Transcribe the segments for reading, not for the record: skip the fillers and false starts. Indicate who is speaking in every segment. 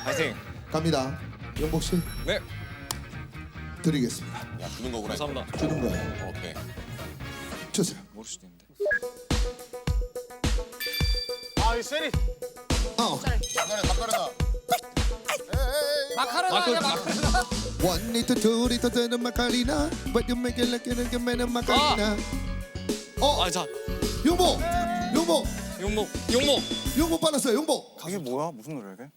Speaker 1: 파이팅.
Speaker 2: 갑니다. 영복 씨
Speaker 1: 네.
Speaker 2: 드리겠습니다.
Speaker 3: 야 주는 거구나.
Speaker 1: 감사합니다.
Speaker 2: 주는 거예요.
Speaker 3: 오케이.
Speaker 2: 주세요.
Speaker 1: 모를 수도 있는데.
Speaker 4: 아, 세리.
Speaker 3: 마카레나.
Speaker 1: 마카로나.
Speaker 2: One 리터 두 리터 되는 마카리나, but you make it like a man 마카리나.
Speaker 1: 아, 자.
Speaker 2: 용복, 용복,
Speaker 1: 용목.
Speaker 2: 빨랐어요. 용복.
Speaker 4: 가게 뭐야? 무슨 노래야 이게?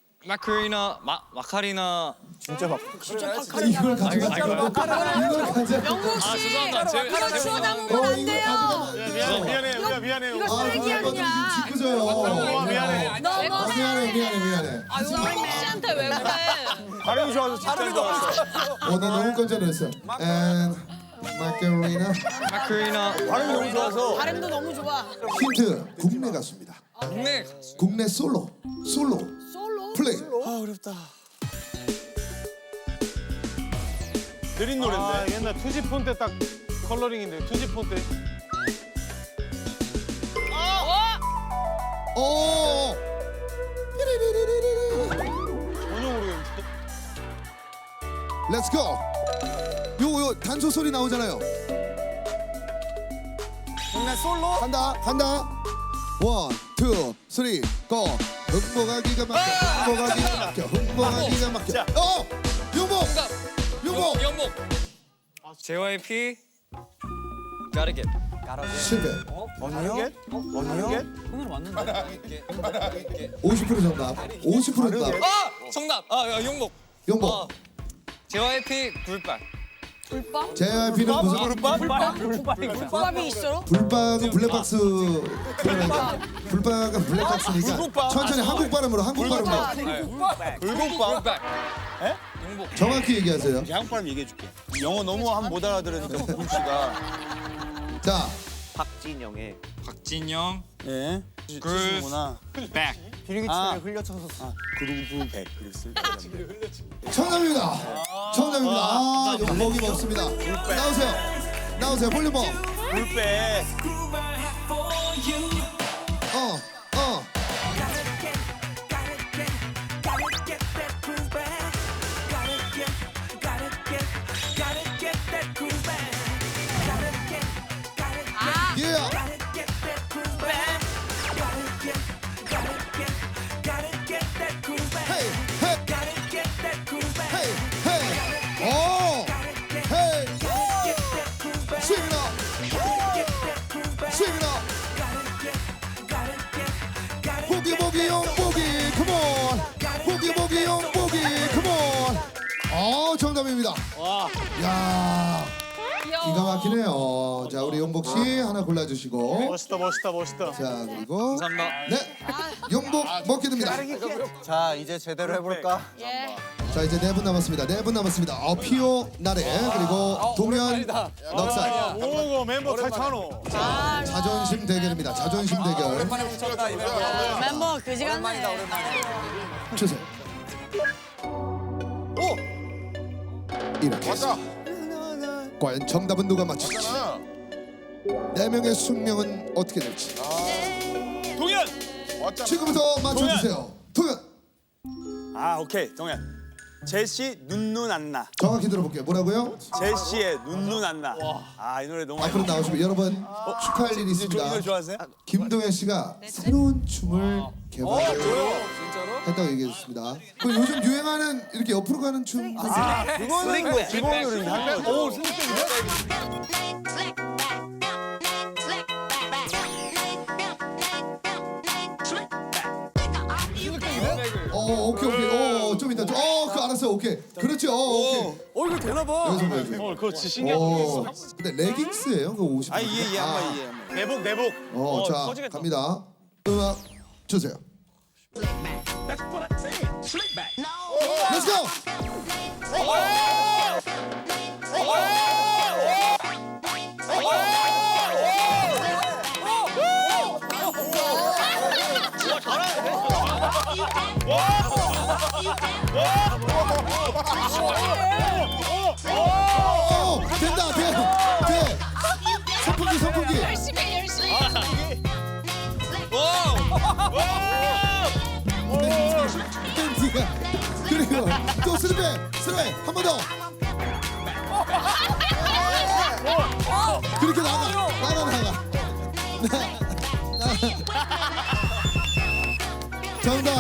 Speaker 1: 마카리나.
Speaker 4: 진짜 막.
Speaker 2: 이걸 가져가.
Speaker 1: 이거.
Speaker 2: 이걸 가져가.
Speaker 5: 영국
Speaker 1: 아,
Speaker 5: 씨,
Speaker 1: 죄송합니다.
Speaker 5: 이거 치워 담으면 안
Speaker 2: 이걸
Speaker 5: 돼요.
Speaker 2: 가져가.
Speaker 4: 미안해, 우리가 미안해.
Speaker 5: 이거 쓰레기 아니야.
Speaker 2: 지켜줘요.
Speaker 4: 미안해.
Speaker 2: 미안해.
Speaker 5: 영국 씨한테 왜 그래?
Speaker 4: 발음이 좋아서 진짜 좋았어.
Speaker 2: 나 너무 깜짝 놀랐어. And 마카리나.
Speaker 1: 마카리나.
Speaker 4: 발음이 너무 좋아서.
Speaker 5: 발음도 너무 좋아.
Speaker 2: 힌트 국내 가수입니다.
Speaker 1: 국내.
Speaker 2: 국내 솔로
Speaker 5: 솔로?
Speaker 2: 플레이.
Speaker 4: 아 어렵다. 느린 노래인데. 아, 옛날 투지폰 때 딱 컬러링인데 투지폰 때.
Speaker 2: 오.
Speaker 4: 전혀 모르겠는데.
Speaker 2: Let's go. 요 단소 소리 나오잖아요.
Speaker 4: 국내 솔로?
Speaker 2: 간다. 원, 투, 쓰리, 고. 흥보가 기가 막혀. 흥보가 기가 막혀. 용복.
Speaker 1: 용목. JYP. Gotta get.
Speaker 2: 실패.
Speaker 4: 언니요? 언니요?
Speaker 2: 50% 정답. 50% 정답.
Speaker 1: 정답. 용목.
Speaker 2: 용복.
Speaker 1: JYP 불발.
Speaker 5: 불빵?
Speaker 2: JYP는 무슨
Speaker 5: 불밥이 있어?
Speaker 2: 불박은 블랙박스. 불박은 블랙박스니까 천천히 한국 발음으로.
Speaker 4: 불국밥.
Speaker 1: 불발. 용복.
Speaker 2: 정확히 얘기하세요.
Speaker 4: 한국 발음 얘기해줄게. 영어 너무 한 못 알아들으니까 부금 씨가.
Speaker 2: 자,
Speaker 6: 박진영의
Speaker 1: 박진영.
Speaker 4: 예.
Speaker 1: 구나. 백.
Speaker 4: 비리기처럼 흘려쳐서. 그루브 백 그랬을 때.
Speaker 2: 정답입니다. 용복이 먹습니다. 나오세요. 볼륨 업.
Speaker 4: 불백.
Speaker 2: 예. 보기 용보기 컴온. 보기 용보기 컴온. 정답입니다. 야, 기가 막히네요. 자, 우리 용복 씨 하나 골라주시고.
Speaker 4: 멋있다.
Speaker 2: 자, 그리고
Speaker 1: 감사합니다.
Speaker 2: 네, 용복 먹게 됩니다.
Speaker 6: 자 이제 제대로 해볼까?
Speaker 5: 예.
Speaker 2: 자, 이제 4분 남았습니다. 피오 나래 그리고 동현 넉살.
Speaker 4: 오고 멤버 탈찬호.
Speaker 2: 자존심 대결입니다. 자존심 대결.
Speaker 5: 멤버 그지같네.
Speaker 2: 주세요. 이렇게 해서 과연 정답은 누가 맞출지, 4명의 숙명은 어떻게 될지
Speaker 4: 동현.
Speaker 2: 지금부터 맞춰주세요. 동현.
Speaker 4: 아 오케이 동현. 제시 눈눈 안나.
Speaker 2: 정확히 들어볼게요. 뭐라고요?
Speaker 4: 제시의 눈눈 안나. 아 이 노래 너무
Speaker 2: 앞으로 나오시면 여러분 축하할 일이
Speaker 4: 이
Speaker 2: 있습니다.
Speaker 4: 노래 좋아하세요?
Speaker 2: 김동현 씨가 새로운 춤을 개발했다고 얘기해줬습니다. 그 요즘 유행하는 이렇게 옆으로 가는 춤.
Speaker 4: 그거는 기본 노래인데 한 번. 오
Speaker 2: 오케이. 좀 이따. 그거 알았어요. 오케이. 그렇지. 오케이.
Speaker 4: 이거 되나 봐.
Speaker 2: 여기서 보여줘.
Speaker 4: 그거 신기한 게 있어.
Speaker 2: 근데 레깅스예요? 그 옷이.
Speaker 4: 이해 한번 이해. 내복.
Speaker 2: 자,
Speaker 4: 터지겠다.
Speaker 2: 갑니다. 음악 주세요. Let's go. 된다. 돼. 선풍기.
Speaker 5: 열심히.
Speaker 2: 댄디가 그리고 또 스리백 한 번 더. 그렇게 나가. 정답.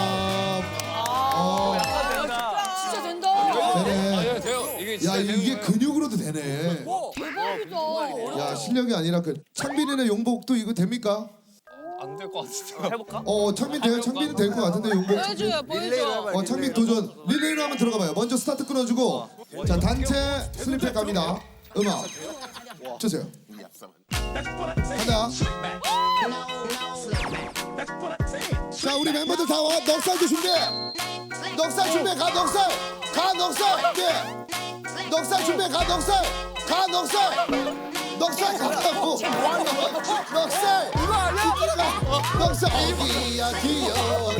Speaker 5: 진짜 된다.
Speaker 2: 되네.
Speaker 1: 돼요. 이게
Speaker 2: 야
Speaker 1: 진짜 되는
Speaker 2: 이게
Speaker 1: 거예요.
Speaker 2: 근육으로도 되네.
Speaker 5: 대박이다.
Speaker 2: 야 실력이 아니라 그 창빈이네 용복도 이거 됩니까?
Speaker 1: 안 될 것 같은데.
Speaker 6: 해볼까?
Speaker 2: 창빈 돼요? 창빈은 될 것 같은데 용복.
Speaker 5: 보여줘요, 보여줘.
Speaker 2: 창빈 도전 릴레이로 한번 들어가봐요. 먼저 스타트 끊어주고 자 단체 슬립백 갑니다. 음악 주세요. 간다. 자 우리 멤버들 다 와. 넉살도 준비해. 넉살 준비해. 가 넉살. 네. 넉살 준비해. 가 넉살 가라고. 넉살. 이거 아니야? 넉살. 어디야 귀여워.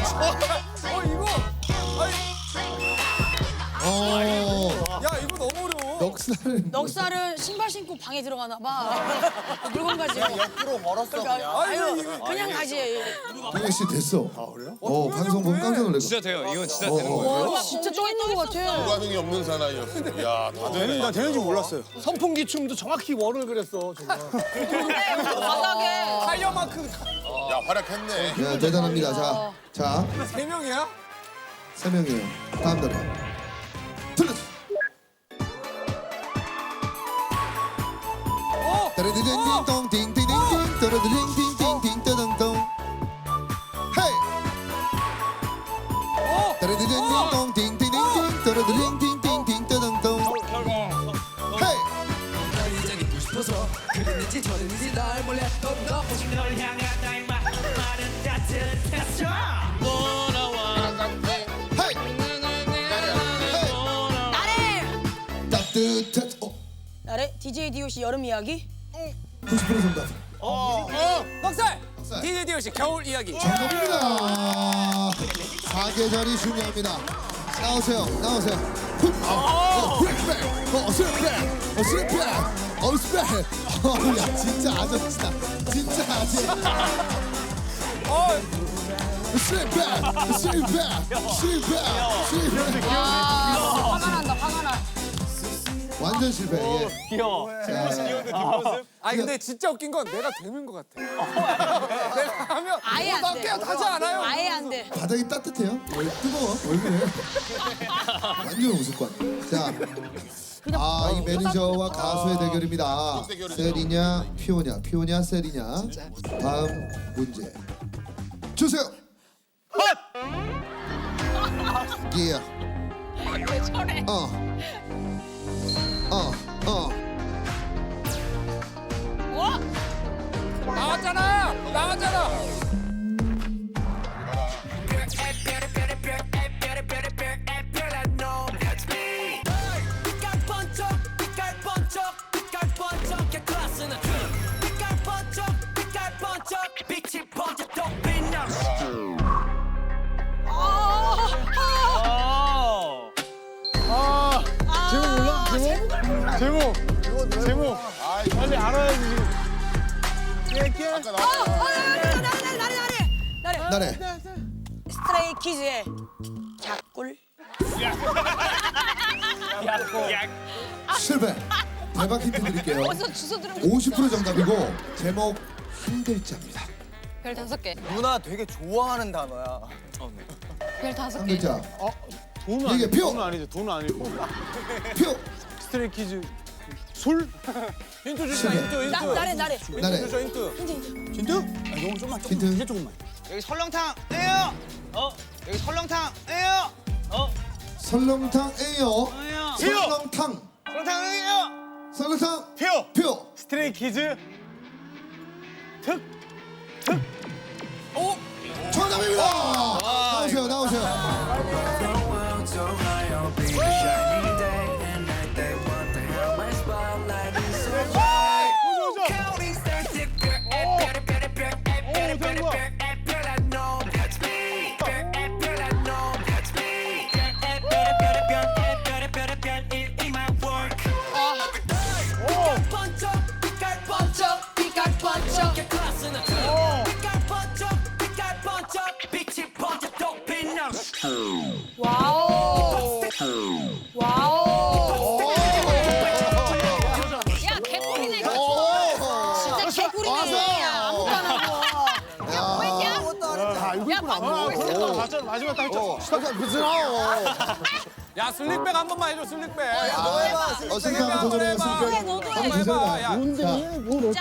Speaker 3: 야 이거 너무 어려워.
Speaker 2: 넉살은
Speaker 5: 넉살은 신발 신고 방에 들어가나 봐. 물건 가지고.
Speaker 6: 옆으로 멀었어 그냥.
Speaker 5: 아유, 그냥 가지.
Speaker 2: 동현 씨 됐어. 아 그래요? 방송 보면 깜짝 놀랐어.
Speaker 1: 진짜 돼요. 이건 진짜 되는 거예요.
Speaker 5: 와, 진짜 쪄 있는 것 같아.
Speaker 7: 반응이 없는 사나이였어. 야, 다 되네.
Speaker 4: 나 되는 줄 몰랐어요.
Speaker 3: 선풍기 춤도 정확히 월을 그렸어 정말.
Speaker 5: 바닥에.
Speaker 3: 타이어만큼
Speaker 7: 야, 활약했네.
Speaker 2: 야 대단합니다. 자
Speaker 3: 세 명이야?
Speaker 2: 3명이에요. 다음 노래 들려주세요. 따르르릉띵동 띵띵띵띵 따르르릉띵띵띵 따당동 헤이 따르르릉띵동 띵띵띵띵 따르르릉띵띵띵 따당동 헤이
Speaker 5: 나래.
Speaker 2: 따뜻한
Speaker 5: 나래. DJ DOC 여름 이야기.
Speaker 2: 90% 정답.
Speaker 3: 넉살. DJ DOC 겨울 이야기.
Speaker 2: 정답입니다. 사계절이 중요합니다. 나오세요. 스리백. 야 진짜 아저씨다. 진짜 아저씨. 스리백.
Speaker 5: 화가 나.
Speaker 2: 완전 실패. 예.
Speaker 6: 귀여워.
Speaker 3: 아니 근데 진짜 웃긴 건 내가 되는 것 같아. 내가 하면
Speaker 5: 아예 안 돼.
Speaker 3: 하지 않아요?
Speaker 5: 아예 안 돼.
Speaker 2: 바닥이 따뜻해요? 뜨거워? 왜 그래? 완전 우스꽝. 자, 이 매니저와 가수의 대결입니다. 셀이냐, 피오냐, 셀이냐. 다음 문제 주세요. 예.
Speaker 5: 왜 저래? 와!
Speaker 3: 나왔잖아.
Speaker 4: 제목. 빨리 알아야지.
Speaker 7: 아까 나왔잖아.
Speaker 2: 나래.
Speaker 5: 스트레이 키즈의 갸꿀.
Speaker 2: 실패. 대박 힌트 드릴게요.
Speaker 5: 벌써 주소 들으면
Speaker 2: 50% 정답이고 제목 한 글자입니다.
Speaker 5: 별 5개.
Speaker 6: 누나 되게 좋아하는 단어야.
Speaker 5: 별
Speaker 2: 한
Speaker 5: 5개.
Speaker 2: 글자.
Speaker 4: 돈은
Speaker 2: 이게
Speaker 4: 아니죠.
Speaker 2: 표!
Speaker 4: 돈은 아니죠. 돈은 아니고.
Speaker 2: 표.
Speaker 4: 스트레이키즈 술?
Speaker 3: 힌트 주시
Speaker 2: 실패.
Speaker 5: 나래.
Speaker 2: 나래.
Speaker 3: 힌트.
Speaker 2: 힌트.
Speaker 6: 여기 설렁탕이에요. 여기 설렁탕이에요.
Speaker 2: 설렁탕이에요.
Speaker 6: 설렁탕이에요.
Speaker 2: 설렁탕. 표.
Speaker 4: 스트레이키즈
Speaker 2: 정답입니다. 나오세요.
Speaker 5: 야, 밥 먹고 있어.
Speaker 4: 마지막 딱 했죠.
Speaker 3: 야 슬릭백 한 번만 해줘 슬릭백.
Speaker 2: 승리 한번 도전해요.
Speaker 5: 해, 너도 해.
Speaker 2: 한번 주세요.
Speaker 3: 야.
Speaker 2: 자,